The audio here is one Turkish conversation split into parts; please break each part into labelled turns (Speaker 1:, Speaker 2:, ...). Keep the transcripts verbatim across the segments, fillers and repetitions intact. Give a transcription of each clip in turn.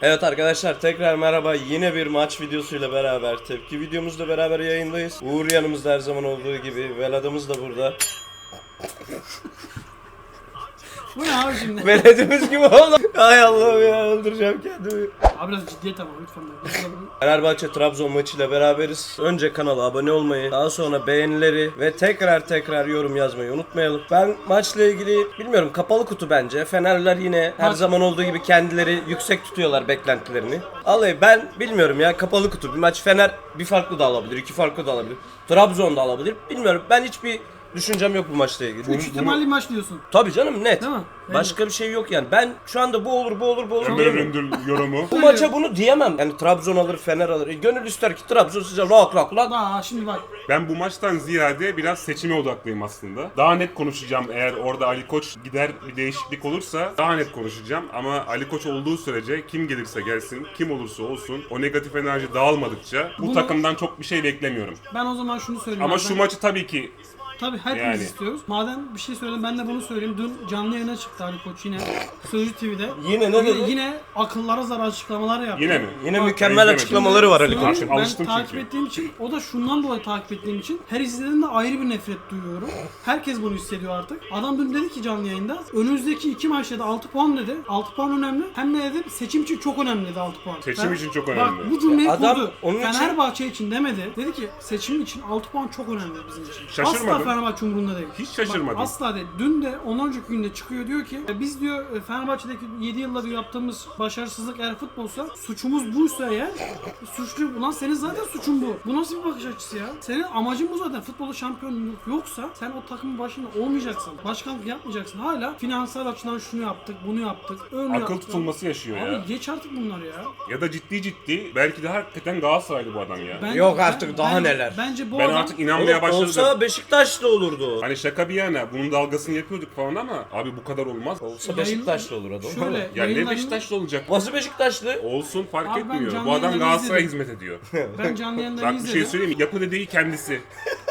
Speaker 1: Evet arkadaşlar tekrar merhaba, yine bir maç videosuyla beraber tepki videomuzla beraber yayındayız. Uğur yanımızda her zaman olduğu gibi, Veladımız da burada.
Speaker 2: Bu ne abi şimdi?
Speaker 1: Veladımız gibi oldu. Ay Allah'ım ya, öldüreceğim kendimi.
Speaker 2: Abi biraz ciddiyet ama lütfen.
Speaker 1: Fenerbahçe Trabzon maçıyla beraberiz. Önce kanala abone olmayı, daha sonra beğenileri ve tekrar tekrar yorum yazmayı unutmayalım. Ben maçla ilgili bilmiyorum, kapalı kutu bence. Fenerler yine her
Speaker 2: Maç...
Speaker 1: zaman olduğu gibi kendileri yüksek tutuyorlar beklentilerini. Vallahi ben bilmiyorum ya, kapalı kutu bir maç. Fener bir farklı da alabilir, iki farklı da alabilir. Trabzon da alabilir. Bilmiyorum, ben hiçbir düşüncem yok bu maçla ilgili.
Speaker 2: Üç ihtimalli maç diyorsun.
Speaker 1: Tabii canım, net.
Speaker 2: Değil mi?
Speaker 1: Başka bir şey yok yani. Ben şu anda bu olur, bu olur, bu olur.
Speaker 3: Ömer Öndür yorumu.
Speaker 1: Bu maça bunu diyemem. Yani Trabzon alır, Fener alır. E, gönül ister ki Trabzon size lak lak lak.
Speaker 2: Daha şimdi bak.
Speaker 3: Ben bu maçtan ziyade biraz seçime odaklıyım aslında. Daha net konuşacağım eğer orada Ali Koç gider bir değişiklik olursa daha net konuşacağım. Ama Ali Koç olduğu sürece kim gelirse gelsin, kim olursa olsun o negatif enerji dağılmadıkça bu
Speaker 2: Bunu-
Speaker 3: takımdan çok bir şey beklemiyorum.
Speaker 2: Ben o zaman şunu söyleyeyim.
Speaker 3: Ama
Speaker 2: abi,
Speaker 3: şu
Speaker 2: ben-
Speaker 3: maçı tabii ki
Speaker 2: Tabii hepimiz
Speaker 3: Yani.
Speaker 2: istiyoruz. Madem bir şey söyledim ben de bunu söyleyeyim. Dün canlı yayına çıktı Ali Koç yine. Sözcü T V'de.
Speaker 1: Yine ne dedi?
Speaker 2: Yine, yine akıllara zarar açıklamalar yaptı.
Speaker 3: yine mi?
Speaker 1: Yine
Speaker 2: Bak,
Speaker 1: mükemmel
Speaker 3: izlemedim.
Speaker 1: açıklamaları var Ali
Speaker 2: Söyleyeyim,
Speaker 1: Koç'un.
Speaker 2: Ben
Speaker 3: Alıştım
Speaker 2: takip
Speaker 3: çünkü.
Speaker 2: ettiğim için, o da şundan dolayı takip ettiğim için her izlediğimde ayrı bir nefret duyuyorum. Herkes bunu hissediyor artık. Adam dün dedi ki canlı yayında önümüzdeki iki maçta da altı puan dedi. altı puan önemli. Hem de dedi seçim için çok önemli dedi altı puan.
Speaker 3: Seçim
Speaker 2: Ben-
Speaker 3: için çok
Speaker 2: Bak
Speaker 3: önemli.
Speaker 2: bu cümleyi
Speaker 1: Adam
Speaker 2: kurdu.
Speaker 1: onun için-
Speaker 2: Fenerbahçe için demedi. Dedi ki seçim için altı puan çok önemli bizim için.
Speaker 3: Şaşırmadım.
Speaker 2: Asla Fenerbahçe umurunda değil.
Speaker 3: Hiç şaşırmadım.
Speaker 2: Bak, asla değil. Dün de ondan önceki günde çıkıyor diyor ki e, biz diyor e, Fenerbahçe'deki yedi yılda diyor yaptığımız başarısızlık eğer futbolsa, suçumuz buysa eğer suçlu. Ulan senin zaten suçun bu. Bu nasıl bir bakış açısı ya? Senin amacın bu zaten. Futbolda şampiyonluk yoksa sen o takımın başında olmayacaksın. Başkanlık yapmayacaksın. Hala finansal açıdan şunu yaptık, bunu yaptık. Öyle
Speaker 3: Akıl
Speaker 2: yaptık.
Speaker 3: tutulması yaşıyor
Speaker 2: Abi
Speaker 3: ya.
Speaker 2: geç artık bunlar ya.
Speaker 3: Ya da ciddi ciddi belki de hakikaten Galatasaraylı bu adam ya.
Speaker 2: Ben-
Speaker 1: Yok
Speaker 2: ben-
Speaker 1: artık, daha
Speaker 2: bence-
Speaker 1: neler.
Speaker 2: Bence bu
Speaker 3: Ben
Speaker 2: adam
Speaker 3: artık inanmaya
Speaker 1: Oğlum,
Speaker 3: başladım.
Speaker 1: olsa Beşiktaşlı olurdu o.
Speaker 3: Hani şaka bir yana bunun dalgasını yapıyorduk falan ama abi bu kadar olmaz.
Speaker 1: Olsa
Speaker 2: Yayın-
Speaker 1: Beşiktaşlı olur adam.
Speaker 2: Şöyle
Speaker 3: Ya ne
Speaker 2: yayınlarını-
Speaker 3: Beşiktaşlı olacak?
Speaker 1: Nasıl Beşiktaşlı?
Speaker 3: Olsun fark
Speaker 2: Abi ben
Speaker 3: etmiyor.
Speaker 2: canlı
Speaker 3: Bu adam
Speaker 2: yayınlarını
Speaker 3: Galatasaray'a
Speaker 2: izledim.
Speaker 3: hizmet ediyor.
Speaker 2: ben canlı yayında
Speaker 3: Bak bir
Speaker 2: izledim.
Speaker 3: şey söyleyeyim mi? Yapı dediği kendisi.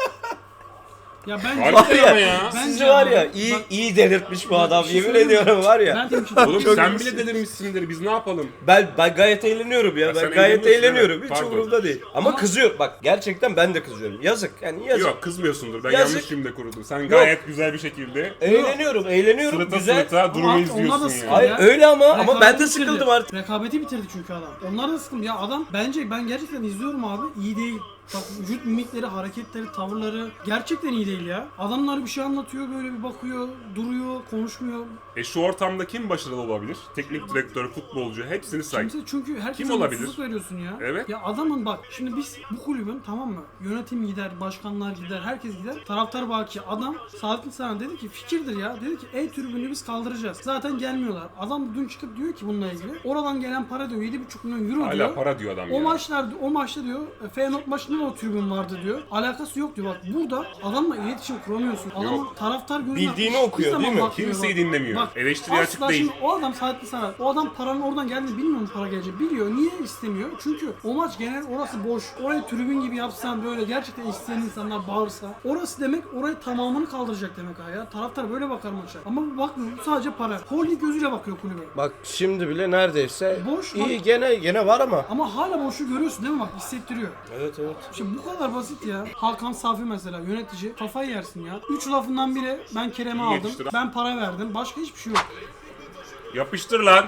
Speaker 2: Ya bence
Speaker 3: Harbiden ama ya.
Speaker 2: Bence
Speaker 1: Sizi var ya,
Speaker 2: abi,
Speaker 1: iyi
Speaker 2: bak-
Speaker 1: iyi delirtmiş bu adam.
Speaker 2: bir şey
Speaker 1: Yemin
Speaker 2: söyleyeyim mi?
Speaker 1: ediyorum var ya.
Speaker 2: Ben de bir şey
Speaker 3: Oğlum
Speaker 1: Çok
Speaker 3: sen
Speaker 1: iyi.
Speaker 3: bile delirmişsindir. Biz ne yapalım?
Speaker 1: Ben ben gayet eğleniyorum ya.
Speaker 3: Ya
Speaker 1: Ben
Speaker 3: sen
Speaker 1: gayet
Speaker 3: eğleniyorsun,
Speaker 1: eğleniyorum.
Speaker 3: evet.
Speaker 1: Hiç
Speaker 3: Pardon.
Speaker 1: umurumda değil. Ama,
Speaker 2: Ama-
Speaker 1: kızıyorum. Bak gerçekten ben de kızıyorum. Yazık. Yani yazık.
Speaker 3: Yok kızmıyorsundur. Ben
Speaker 1: Yazık.
Speaker 3: yanlış cümle kurdum. Sen gayet güzel bir şekilde
Speaker 1: Eğleniyorum, eğleniyorum.
Speaker 3: sırıta
Speaker 1: Güzel.
Speaker 3: sırıta durumu
Speaker 2: Ama onlar da
Speaker 3: izliyorsun
Speaker 2: sıkıntı
Speaker 3: ya.
Speaker 1: Hayır
Speaker 2: ya.
Speaker 1: öyle ama ama ben
Speaker 2: Rekabeti
Speaker 1: de
Speaker 2: bitirdi.
Speaker 1: sıkıldım artık.
Speaker 2: Rekabeti bitirdi çünkü adam. Onlar da sıkıldı. Ya adam bence ben gerçekten izliyorum abi. İyi değil. Bak vücut mimikleri, hareketleri, tavırları gerçekten iyi değil ya. Adamlar bir şey anlatıyor böyle bir bakıyor, duruyor, konuşmuyor.
Speaker 3: E şu ortamda kim başarılı olabilir? Teknik direktör, futbolcu hepsini say.
Speaker 2: Kimse çünkü herkese
Speaker 3: Kim olabilir?
Speaker 2: mutsuzluk veriyorsun ya.
Speaker 3: Evet.
Speaker 2: Ya adamın bak şimdi biz bu kulübün tamam mı? Yönetim gider, başkanlar gider, herkes gider. Taraftar baki. Adam Saadettin Saran dedi ki fikirdir ya. Dedi ki E tribünü biz kaldıracağız. Zaten gelmiyorlar. Adam dün çıkıp diyor ki bununla ilgili. Oradan gelen para diyor yedi buçuk milyon euro diyor.
Speaker 3: Hala para diyor adam
Speaker 2: O
Speaker 3: ya.
Speaker 2: maçlarda o maçta diyor e, Feyenoord maçında da o tribün vardı diyor. Alakası yok diyor. Bak burada adamla iletişim kuramıyorsun. Adamın
Speaker 3: Yok.
Speaker 2: taraftar gözüne
Speaker 1: Bildiğini
Speaker 2: hiçbir
Speaker 1: okuyor,
Speaker 2: zaman
Speaker 1: değil mi?
Speaker 2: bakmıyor
Speaker 3: Kimseyi
Speaker 2: bak.
Speaker 3: dinlemiyor.
Speaker 2: Bak,
Speaker 3: Eleştiriye
Speaker 2: asla
Speaker 3: açık değil.
Speaker 2: şimdi o adam Saadettin Saran. O adam paranın oradan geldiğini bilmiyor mu para gelecek? Biliyor. Niye istemiyor? Çünkü o maç genel orası boş. Orayı tribün gibi yapsan böyle gerçekten isteyen insanlar bağırsa. Orası demek orayı tamamını kaldıracak demek ha ya. Taraftar böyle bakar maça. Ama bu bakmıyor. Bu sadece para. Holding gözüyle bakıyor kulübe.
Speaker 1: Bak şimdi bile neredeyse
Speaker 2: Boş,
Speaker 1: iyi
Speaker 2: bak.
Speaker 1: gene gene var ama.
Speaker 2: Ama hala boşu görüyorsun değil mi? Bak hissettiriyor.
Speaker 1: Evet evet.
Speaker 2: Şimdi bu kadar basit ya. Hakan Safi mesela yönetici kafayı yersin ya. Üç lafından biri ben Kerem'e
Speaker 3: İyi
Speaker 2: aldım.
Speaker 3: yetiştir.
Speaker 2: Ben para verdim. Başka hiçbir şey yok.
Speaker 3: Yapıştır lan.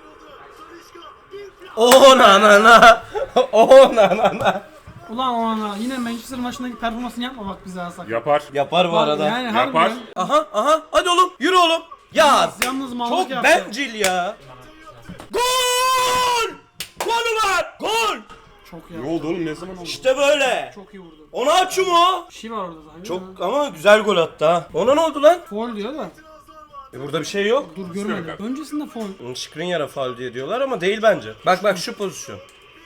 Speaker 1: Oh na na na. Oh na na na.
Speaker 2: Ulan o ana yine Manchester maçındaki performansını yapma bak bize alsak.
Speaker 3: Yapar.
Speaker 1: Yapar bu
Speaker 2: Bak,
Speaker 1: arada.
Speaker 2: Yani
Speaker 3: Yapar.
Speaker 2: harbiden
Speaker 1: Aha aha hadi oğlum yürü oğlum. Ya
Speaker 2: yalnız mallık
Speaker 1: çok
Speaker 2: yaptı.
Speaker 1: bencil ya. Gol! Gol var! Gol!
Speaker 2: Çok
Speaker 3: Ne
Speaker 2: iyi.
Speaker 3: oldu oğlum ne zaman oldu?
Speaker 1: İşte böyle.
Speaker 2: Çok iyi vurdu.
Speaker 1: Onu açım o.
Speaker 2: Bir şey var orada zaten.
Speaker 1: Çok ama güzel gol attı ha. Ona ne oldu lan?
Speaker 2: Foul diyor da.
Speaker 1: E burada bir şey yok.
Speaker 2: Dur görmedim.
Speaker 3: yok.
Speaker 2: Öncesinde foul.
Speaker 1: Skriniar'a faul diye diyorlar ama değil bence. Bak bak şu pozisyon.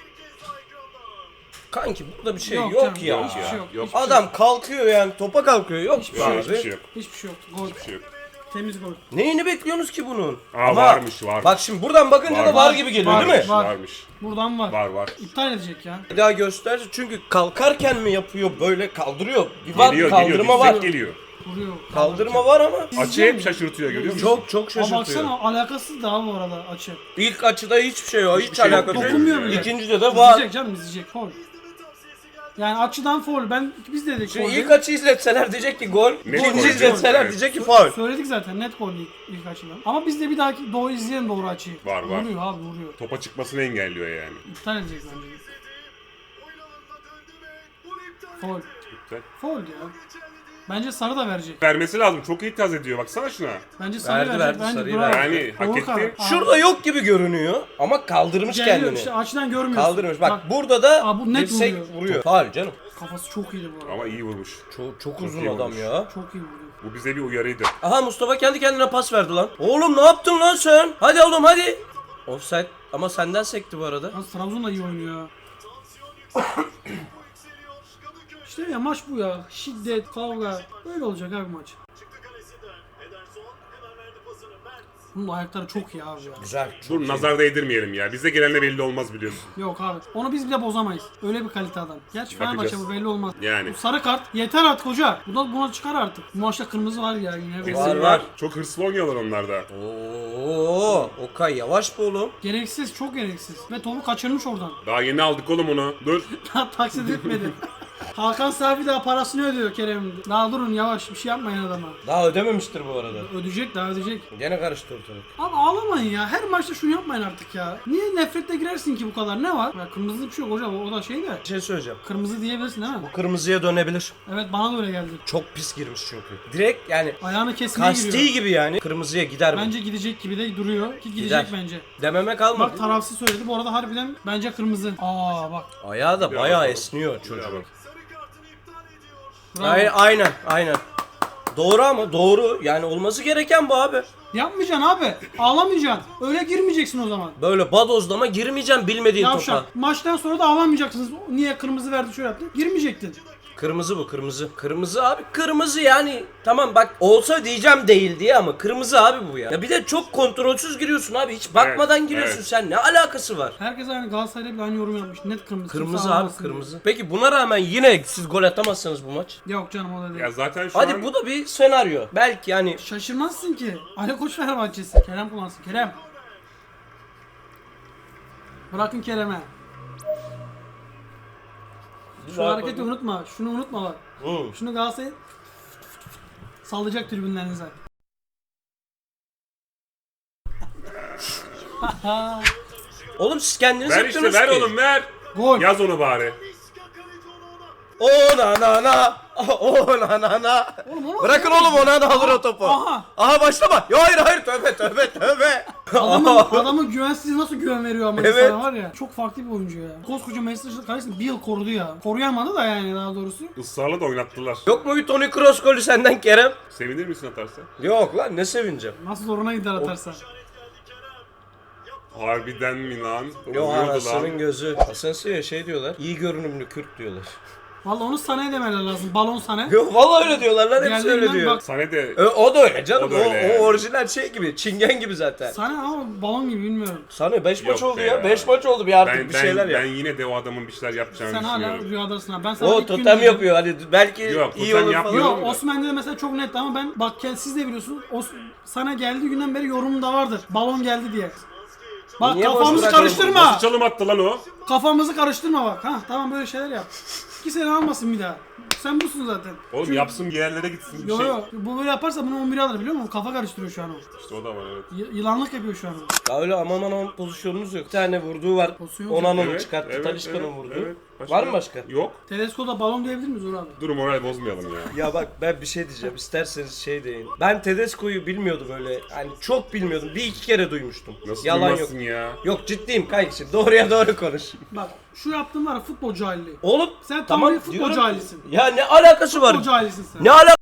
Speaker 1: Kanki burada bir şey yok,
Speaker 2: canım,
Speaker 1: ya.
Speaker 2: Hiçbir şey yok.
Speaker 3: Yok.
Speaker 2: Hiçbir şey
Speaker 1: Adam
Speaker 2: yok.
Speaker 1: kalkıyor yani topa kalkıyor. Yok
Speaker 2: Hiçbir
Speaker 1: be
Speaker 2: şey
Speaker 1: abi.
Speaker 2: yok.
Speaker 3: Hiçbir şey yok.
Speaker 2: Hiçbir şey yok. Gol.
Speaker 3: Hiçbir şey yok.
Speaker 2: Temiz gol.
Speaker 1: Neyini bekliyorsunuz ki bunun?
Speaker 3: Aa, varmış, varmış.
Speaker 1: Bak şimdi buradan bakınca
Speaker 3: Var,
Speaker 1: da var
Speaker 2: var,
Speaker 1: gibi geliyor
Speaker 2: var,
Speaker 1: değil mi?
Speaker 2: var.
Speaker 3: Varmış.
Speaker 2: Buradan var.
Speaker 3: Var var.
Speaker 2: İptal edecek ya.
Speaker 1: Bir daha göster çünkü kalkarken mi yapıyor böyle kaldırıyor. Bir var
Speaker 3: Geliyor
Speaker 1: kaldırma
Speaker 3: geliyor.
Speaker 1: var.
Speaker 3: Dirsek geliyor.
Speaker 2: Vuruyor.
Speaker 1: Kaldırma var ama.
Speaker 3: Açı hep şaşırtıyor görüyor musun?
Speaker 1: Çok çok
Speaker 2: Ama
Speaker 1: şaşırtıyor.
Speaker 2: baksana alakasız daha bu arada açı.
Speaker 1: İlk açıda hiçbir şey yok. Hiç
Speaker 3: şey yok.
Speaker 1: alakası yok.
Speaker 2: Dokunmuyor bile.
Speaker 1: İkincide de var.
Speaker 2: İzleyecek canım izleyecek. Foul. Yani açıdan foul. Ben biz de dedik
Speaker 1: Şimdi
Speaker 2: foul
Speaker 1: ilk
Speaker 2: diye.
Speaker 1: açı izletseler diyecek ki gol.
Speaker 3: Net
Speaker 1: İkinci
Speaker 3: gol.
Speaker 1: izletseler
Speaker 3: Evet.
Speaker 1: diyecek ki faul.
Speaker 2: Söyledik zaten net gol ilk, ilk açıdan. Ama biz de bir dahaki doğru izleyelim doğru açıyı.
Speaker 3: Var, var.
Speaker 2: Vuruyor abi vuruyor.
Speaker 3: Topa çıkmasını engelliyor yani.
Speaker 2: İptal edecek bence. Foul.
Speaker 3: Güzel.
Speaker 2: Foul ya. Bence sarı da verecek.
Speaker 3: Vermesi lazım. Çok itiraz ediyor. Baksana şuna.
Speaker 2: Bence sarı
Speaker 1: Verdi,
Speaker 2: verecek.
Speaker 1: verdi,
Speaker 2: Bence
Speaker 1: sarıyı
Speaker 2: bravo.
Speaker 1: verdi.
Speaker 3: Yani hak
Speaker 2: Doğru
Speaker 3: etti.
Speaker 2: karar.
Speaker 1: Şurada yok gibi görünüyor ama kaldırmış
Speaker 2: Geliyor
Speaker 1: kendini.
Speaker 2: işte açıdan görmüyorsun.
Speaker 1: Kaldırmış. Bak, burada da
Speaker 2: Aa, bu net
Speaker 1: dirsek
Speaker 2: vuruyor.
Speaker 1: vuruyor. Faul canım.
Speaker 2: Kafası çok iyiydi bu arada.
Speaker 3: Ama iyi vurmuş.
Speaker 1: Çok, çok uzun
Speaker 3: iyi
Speaker 1: adam
Speaker 3: olmuş.
Speaker 1: ya.
Speaker 2: Çok iyi vuruyor.
Speaker 3: Bu bize bir uyarıydı.
Speaker 1: Aha Mustafa kendi kendine pas verdi lan. Oğlum ne yaptın lan sen? Hadi oğlum hadi. Offside ama senden sekti bu arada.
Speaker 2: Yalnız Trabzon da iyi oynuyor. İşte ya maç bu ya. Şiddet, kavga. Böyle olacak abi maç. Bunun ayakları çok iyi abi ya.
Speaker 1: Güzel.
Speaker 3: Dur nazar değdirmeyelim ya. Bize gelenle belli olmaz biliyorsun.
Speaker 2: Yok abi. Onu biz bile bozamayız. Öyle bir kalite adam. Gerçi Fenerbahçe
Speaker 3: Bakacağız.
Speaker 2: bu belli olmaz.
Speaker 3: Yani.
Speaker 2: Bu sarı kart yeter artık hoca. Bu da buna çıkar artık. Bu maçta kırmızı var ya yine.
Speaker 3: Kesin
Speaker 1: Var,
Speaker 3: var.
Speaker 1: var.
Speaker 3: Çok hırslı oynuyorlar onlar da.
Speaker 1: Oo, Okay yavaş bu oğlum.
Speaker 2: Gereksiz, çok gereksiz. Ve topu kaçırmış oradan.
Speaker 3: Daha yeni aldık oğlum onu. Dur.
Speaker 2: Daha taksit etmedi. Hakan Safi daha parasını ödüyor Kerem'in. Daha durun yavaş bir şey yapmayın adama.
Speaker 1: Daha ödememiştir bu arada.
Speaker 2: Ödeyecek daha ödeyecek.
Speaker 1: Gene karıştı ortalık.
Speaker 2: Abi ağlamayın ya. Her maçta şunu yapmayın artık ya. Niye nefretle girersin ki bu kadar? Ne var? Ya kırmızı bir şey yok hocam. O da şey de.
Speaker 1: Bir şey söyleyeceğim.
Speaker 2: Kırmızı diyebilirsin değil mi?
Speaker 1: Kırmızıya dönebilir.
Speaker 2: Evet bana da öyle geldi.
Speaker 1: Çok pis girmiş çünkü. Direkt yani
Speaker 2: Ayağını kesmeye
Speaker 1: kasti
Speaker 2: giriyor.
Speaker 1: gibi yani. Kırmızıya gider bu.
Speaker 2: Bence gidecek gibi de duruyor. Ki gidecek
Speaker 1: Gider.
Speaker 2: bence.
Speaker 1: Dememe kalmadı.
Speaker 2: Bak tarafsız söyledi. Bu arada harbiden bence kırmızı. Aa bak.
Speaker 1: Ayağı da
Speaker 3: Bir
Speaker 1: bayağı
Speaker 3: bakalım.
Speaker 1: esniyor
Speaker 3: Bir
Speaker 1: çocuk.
Speaker 3: bak.
Speaker 2: Bravo.
Speaker 1: Aynen, aynen, aynen. Doğru ama doğru. Yani olması gereken bu abi.
Speaker 2: Yapmayacaksın abi. Ağlamayacaksın. Öyle girmeyeceksin o zaman.
Speaker 1: Böyle badozlama girmeyeceğim bilmediğin topa.
Speaker 2: Yavşak. Maçtan sonra da ağlamayacaksınız. Niye kırmızı verdi şöyle yaptı. Girmeyecektin.
Speaker 1: Kırmızı bu kırmızı. Kırmızı abi kırmızı yani. Tamam bak olsa diyeceğim değil diye ama kırmızı abi bu ya. Ya bir de çok kontrolsüz giriyorsun abi. Hiç bakmadan
Speaker 3: Evet,
Speaker 1: giriyorsun
Speaker 3: evet.
Speaker 1: sen. Ne alakası var?
Speaker 2: Herkes aynı Galatasaray'la bile aynı yorum yapmış. Net kırmızı.
Speaker 1: Kırmızı
Speaker 2: Kimse
Speaker 1: abi
Speaker 2: ağlamasın
Speaker 1: kırmızı. Peki buna rağmen yine siz gol atamazsanız bu maç.
Speaker 2: diye. Yok canım o da değil.
Speaker 3: Ya zaten şu
Speaker 1: Hadi
Speaker 3: an
Speaker 1: bu da bir senaryo. Belki yani
Speaker 2: Şaşırmazsın ki. Ali Koç Fenerbahçesi. Kerem kullansın. Kerem. Bırakın Kerem'e. Şu hareketi unutma. Şunu unutma bak.
Speaker 1: Hı.
Speaker 2: Şunu Galatasaray sallayacak tribünlerinize.
Speaker 1: Oğlum siz kendiniz
Speaker 3: ver işte
Speaker 1: yaptınız
Speaker 3: ver
Speaker 1: ki.
Speaker 3: oğlum ver.
Speaker 2: Gol.
Speaker 3: Yaz onu bari.
Speaker 1: O na na na. O na na na.
Speaker 2: Oğlum onu
Speaker 1: Bırakın oğlum ona da alır o topu.
Speaker 2: Aha.
Speaker 1: Aha başlama. Ya hayır hayır tövbe tövbe tövbe.
Speaker 2: Adamın, adamın güvensiz nasıl güven veriyor ama
Speaker 1: Evet.
Speaker 2: insana var ya. Çok farklı bir oyuncu ya. Koskoca Manchester kalesini bir yıl korudu ya. Koruyamadı da yani daha doğrusu.
Speaker 3: Israrla da oynattılar.
Speaker 1: Yok mu bir Toni Kroos golü senden Kerem?
Speaker 3: Sevinir misin atarsa?
Speaker 1: Yok lan ne sevineceğim.
Speaker 2: Nasıl zoruna gider atarsa.
Speaker 3: Harbiden mi lan?
Speaker 1: Yo
Speaker 3: Oluyordu
Speaker 1: anasının
Speaker 3: lan.
Speaker 1: gözü. Asensio'ya şey diyorlar. İyi görünümlü Kürt diyorlar.
Speaker 2: Valla onu Sané'ye demeler lazım. Balon Sané.
Speaker 1: Yo vallahi öyle diyorlar lan hepsi
Speaker 2: Diğerlerinden
Speaker 1: öyle diyor.
Speaker 2: bak-
Speaker 3: Sane de
Speaker 1: Ö, o da öyle canım.
Speaker 3: O
Speaker 1: O,
Speaker 3: da öyle
Speaker 1: o
Speaker 3: yani.
Speaker 1: orijinal şey gibi. Çingen gibi zaten.
Speaker 2: Sané ama balon gibi bilmiyorum.
Speaker 1: Sana beş maç
Speaker 3: Yok
Speaker 1: oldu
Speaker 3: be
Speaker 1: ya.
Speaker 3: ya.
Speaker 1: beş maç oldu bir artık
Speaker 3: ben,
Speaker 1: bir
Speaker 3: ben,
Speaker 1: şeyler
Speaker 3: ben
Speaker 1: yap.
Speaker 3: yine de o adamın bir şeyler yapacağını
Speaker 2: Sen hala
Speaker 3: düşünüyorum.
Speaker 2: rüyadasın ha. Ben sana
Speaker 1: O
Speaker 2: ilk gün
Speaker 1: totem
Speaker 2: dedim.
Speaker 1: yapıyor hani belki
Speaker 3: Yok,
Speaker 1: iyi
Speaker 3: totem
Speaker 1: olur
Speaker 3: yapmıyor.
Speaker 1: falan.
Speaker 2: Yok Osman'da da mesela çok net ama ben bak gel siz de biliyorsunuz. Os sana geldiği günden beri yorumum da vardır. Balon geldi diye. Bak
Speaker 1: Niye boş
Speaker 2: kafamızı
Speaker 1: bırakalım?
Speaker 2: karıştırma.
Speaker 3: Nasıl çalım attı lan o?
Speaker 2: Kafamızı karıştırma bak. Ha tamam böyle şeyler yap. İki sene almasın bir daha. Sen busun zaten.
Speaker 3: Oğlum yapsın bir yerlere gitsin bir
Speaker 2: Yo
Speaker 3: şey.
Speaker 2: yo bu böyle yaparsa bunu on bir alır biliyor musun? Kafa karıştırıyor şu an o.
Speaker 3: İşte o da var evet.
Speaker 2: Y- yılanlık yapıyor şu an o.
Speaker 1: Ya öyle aman aman pozisyonunuz yok. Bir tane vurduğu var.
Speaker 2: Pozisyon
Speaker 1: Onan'ın
Speaker 3: Evet,
Speaker 1: çıkarttı.
Speaker 3: evet,
Speaker 1: Talisca'nın
Speaker 3: evet,
Speaker 1: vurdu.
Speaker 3: evet.
Speaker 1: Var mı başka?
Speaker 3: Yok.
Speaker 2: Tedesco'da balon diyebilir miyiz Uğur abi?
Speaker 3: Dur moral bozmayalım ya.
Speaker 1: Ya bak ben bir şey diyeceğim. İsterseniz şey deyin. Ben Tedesco'yu bilmiyordum öyle. Hani çok bilmiyordum. Bir iki kere duymuştum.
Speaker 3: Nasıl
Speaker 1: Yalan yok.
Speaker 3: duymazsın ya?
Speaker 1: Yok ciddiyim kanki. Doğruya doğru konuş.
Speaker 2: Bak şu yaptığın var ya futbol cahilliği.
Speaker 1: Oğlum
Speaker 2: Sen tam
Speaker 1: tamam
Speaker 2: bir futbol
Speaker 1: diyorum.
Speaker 2: cahilisin.
Speaker 1: Ya ne alakası var?
Speaker 2: Futbol cahilisin sen.
Speaker 1: Ne alakası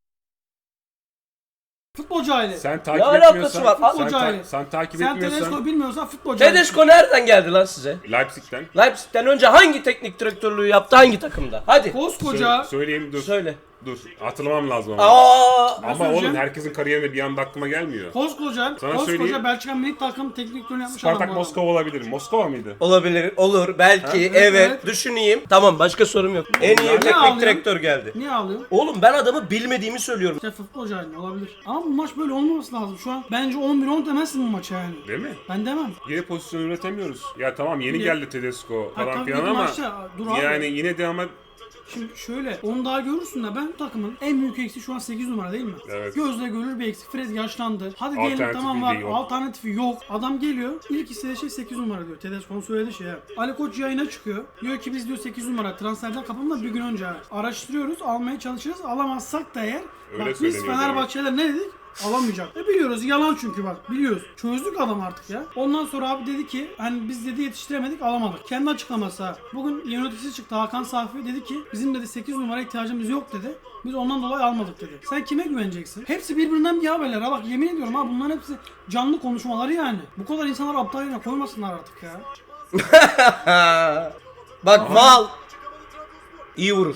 Speaker 2: Futbol cahili. Sen,
Speaker 3: Sen takip
Speaker 1: alakası
Speaker 3: etmiyorsan,
Speaker 1: var?
Speaker 3: sen,
Speaker 2: Futbol
Speaker 3: ta-
Speaker 2: cahili.
Speaker 3: sen takip
Speaker 2: Tedesco'yu
Speaker 3: etmiyorsan
Speaker 2: bilmiyorsan futbol cahili.
Speaker 1: Tedesco nereden geldi lan size?
Speaker 3: Leipzig'ten
Speaker 1: Leipzig'ten önce hangi teknik direktörlüğü yaptı hangi takımda? Hadi
Speaker 2: Koskoca
Speaker 3: Sö- söyleyeyim dur.
Speaker 1: söyle.
Speaker 3: Dur hatırlamam lazım ama.
Speaker 1: Aa!
Speaker 3: Ama
Speaker 2: söyleyeceğim.
Speaker 3: oğlum herkesin kariyerinde bir anda aklıma gelmiyor.
Speaker 2: Koskoca,
Speaker 3: Sana
Speaker 2: koskoca
Speaker 3: söyleyeyim.
Speaker 2: Belçika milli takım teknik direktörünü yapmış
Speaker 3: Spartak
Speaker 2: adam bu adam.
Speaker 3: Moskova olabilir. Moskova mıydı?
Speaker 1: Olabilir, olur, belki, evet,
Speaker 2: evet.
Speaker 1: düşüneyim. Tamam, başka sorum yok. En iyi
Speaker 2: Ne
Speaker 1: teknik
Speaker 2: ağlıyorsun?
Speaker 1: direktör geldi.
Speaker 2: Niye ağlıyorsun?
Speaker 1: Oğlum ben adamı bilmediğimi söylüyorum.
Speaker 2: İşte futbolcu haline olabilir. Ama bu maç böyle olmaması lazım. Şu an bence on bir on demezsin bu maça yani.
Speaker 3: Değil mi?
Speaker 2: Ben demem.
Speaker 3: Yine pozisyon üretemiyoruz. Ya tamam yeni
Speaker 2: Yine-
Speaker 3: geldi Tedesco
Speaker 2: Ha,
Speaker 3: falan
Speaker 2: tabii
Speaker 3: filan
Speaker 2: ki
Speaker 3: ama
Speaker 2: maçta, dur abi.
Speaker 3: yani yine de ama
Speaker 2: Şimdi şöyle, onu daha görürsün de ben bu takımın en büyük eksiği şu an sekiz numara değil mi?
Speaker 3: Evet.
Speaker 2: Gözle görülür bir eksik. Fred yaşlandı. Hadi diyelim
Speaker 3: Alternatifi
Speaker 2: tamam var,
Speaker 3: de yok.
Speaker 2: alternatifi yok. Adam geliyor, ilk istediği şey sekiz numara diyor. Tedesco'nun söylediği şey ya. Ali Koç yayına çıkıyor. Diyor ki biz diyor sekiz numara transferden kapımda bir gün önce araştırıyoruz, almaya çalışırız. Alamazsak da eğer,
Speaker 3: Öyle
Speaker 2: bak biz
Speaker 3: söyleniyor
Speaker 2: Fenerbahçe'de ne dedik? Alamayacak. E biliyoruz yalan çünkü bak biliyoruz. Çözdük adam artık ya. Ondan sonra abi dedi ki hani biz dedi yetiştiremedik alamadık. Kendi açıklaması ha. Bugün yöneticisi çıktı Hakan Safi dedi ki bizim dedi sekiz numara ihtiyacımız yok dedi. Biz ondan dolayı almadık dedi. Sen kime güveneceksin? Hepsi birbirinden bir haberler ha bak yemin ediyorum ha bunların hepsi canlı konuşmaları yani. Bu kadar insanlar aptal yerine koymasınlar artık ya.
Speaker 1: Bak mal. İyi vurur.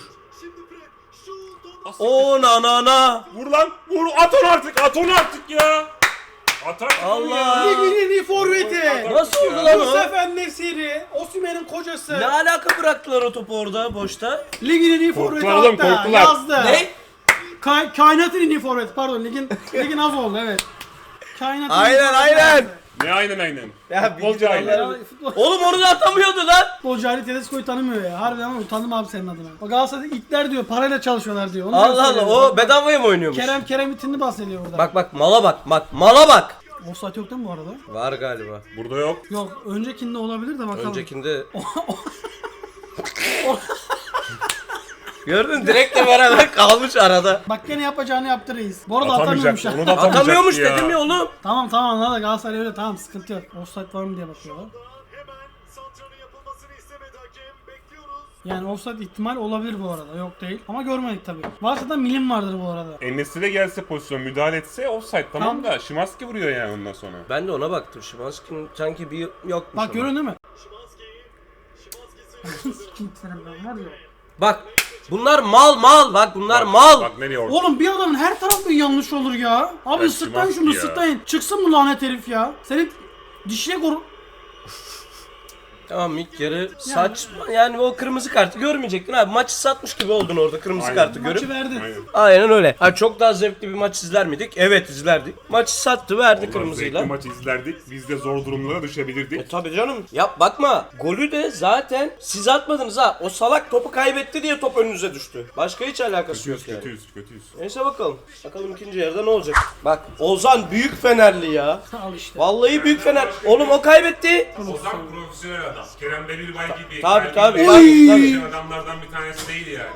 Speaker 1: O na na na.
Speaker 3: vur lan vur at onu artık at onu artık ya. At artık onu
Speaker 1: Allah.
Speaker 3: ya.
Speaker 2: Ligin en iyi forveti.
Speaker 1: Nasıl oldu lan o?
Speaker 2: Yusuf En-Nesyri, Osimhen'in kocası.
Speaker 1: Ne alaka bıraktılar o topu orada boşta?
Speaker 2: Ligin en iyi forveti
Speaker 3: Korktular oğlum,
Speaker 2: hatta
Speaker 3: korktular.
Speaker 2: yazdı.
Speaker 1: Ne?
Speaker 2: Kay kainatın en iyi forveti pardon ligin ligin az oldu evet. Kainatın en iyi
Speaker 1: Aynen,
Speaker 2: forveti
Speaker 1: aynen.
Speaker 2: yazdı.
Speaker 3: Ne aynen aynen.
Speaker 1: Ya
Speaker 3: Futbolcu
Speaker 1: bildiğin
Speaker 3: aynen.
Speaker 1: Allah-
Speaker 2: Ya, futbol-
Speaker 1: Oğlum onu da atamıyordu lan.
Speaker 2: Futbolcu Ali Tedesco'yu tanımıyor ya. Harbiden ama utandım abi senin adına. O Galatasaray'da itler diyor, parayla çalışıyorlar diyor. Onu
Speaker 1: Allah
Speaker 2: diyor,
Speaker 1: Allah
Speaker 2: söylüyor.
Speaker 1: o bedavaya mı oynuyormuş?
Speaker 2: Kerem Kerem itinini bahsediyor burada.
Speaker 1: Bak bak mala bak bak mala bak.
Speaker 2: Offside yok değil mi bu arada?
Speaker 1: Var galiba.
Speaker 3: Burada yok.
Speaker 2: Yok. Öncekinde olabilir de bakalım.
Speaker 1: Öncekinde... Gördün direktle beraber kalmış arada.
Speaker 2: Bak gene yapacağını yaptı reis. Bu arada
Speaker 3: Atamayacak.
Speaker 2: atamıyormuş.
Speaker 3: Onu da atamayacaktı
Speaker 1: Atamıyormuş
Speaker 3: ya.
Speaker 1: dedim ya oğlum.
Speaker 2: Tamam tamam anladık Galatasaray öyle tamam sıkıntı yok. Offside var mı diye bakıyorlar. Yani offside ihtimal olabilir bu arada. Yok değil. Ama görmedik tabii. Varsa da milim vardır bu arada.
Speaker 3: En-Nesyri gelse pozisyon müdahale etse offside tamam
Speaker 2: Tamam.
Speaker 3: da Şimanski vuruyor yani ondan sonra.
Speaker 1: Ben de ona baktım. Şimanski'nin sanki bir yokmuş
Speaker 2: Bak
Speaker 1: ama.
Speaker 2: görün değil mi? Kim senin ben var ya.
Speaker 1: Bak bunlar mal mal bak bunlar
Speaker 3: Bak,
Speaker 1: mal.
Speaker 3: Bak nereye orada.
Speaker 2: Oğlum bir adamın her tarafı yanlış olur ya. Abi
Speaker 3: Ya
Speaker 2: ıslıklayın şunu
Speaker 3: Şimanski ya.
Speaker 2: ıslıklayın. Çıksın bu lanet herif ya. Senin dişine koru...
Speaker 1: Tamam ilk yarı saçma yani o kırmızı kartı görmeyecektin abi. Maçı satmış gibi oldun orada kırmızı
Speaker 3: Aynen.
Speaker 1: kartı
Speaker 2: Maçı
Speaker 1: görüp.
Speaker 2: verdi.
Speaker 3: Aynen.
Speaker 1: Aynen öyle. Ha, çok daha zevkli bir maç izler miydik? Evet izlerdik. Maçı sattı verdi
Speaker 3: Ulan
Speaker 1: kırmızıyla.
Speaker 3: zevkli maçı izlerdik. Biz de zor durumlara düşebilirdik.
Speaker 1: E tabi canım. Yap bakma. Golü de zaten siz atmadınız ha. O salak topu kaybetti diye top önünüze düştü. Başka hiç alakası yok
Speaker 3: Kötüyüz,
Speaker 1: yani.
Speaker 3: kötüyüz, kötüyüz.
Speaker 1: Neyse bakalım. Bakalım ikinci yarıda ne olacak? Bak Ozan büyük Fenerli ya.
Speaker 2: Al işte.
Speaker 1: Vallahi büyük Fener. Oğlum o kaybetti.
Speaker 3: Ozan profesyonel adam. Kerem Demirbay gibi.
Speaker 1: Tabii,
Speaker 3: kalbi
Speaker 1: tabii,
Speaker 3: gibi
Speaker 1: tabii,
Speaker 3: çalışan
Speaker 1: tabii.
Speaker 3: adamlardan bir tanesi değil yani.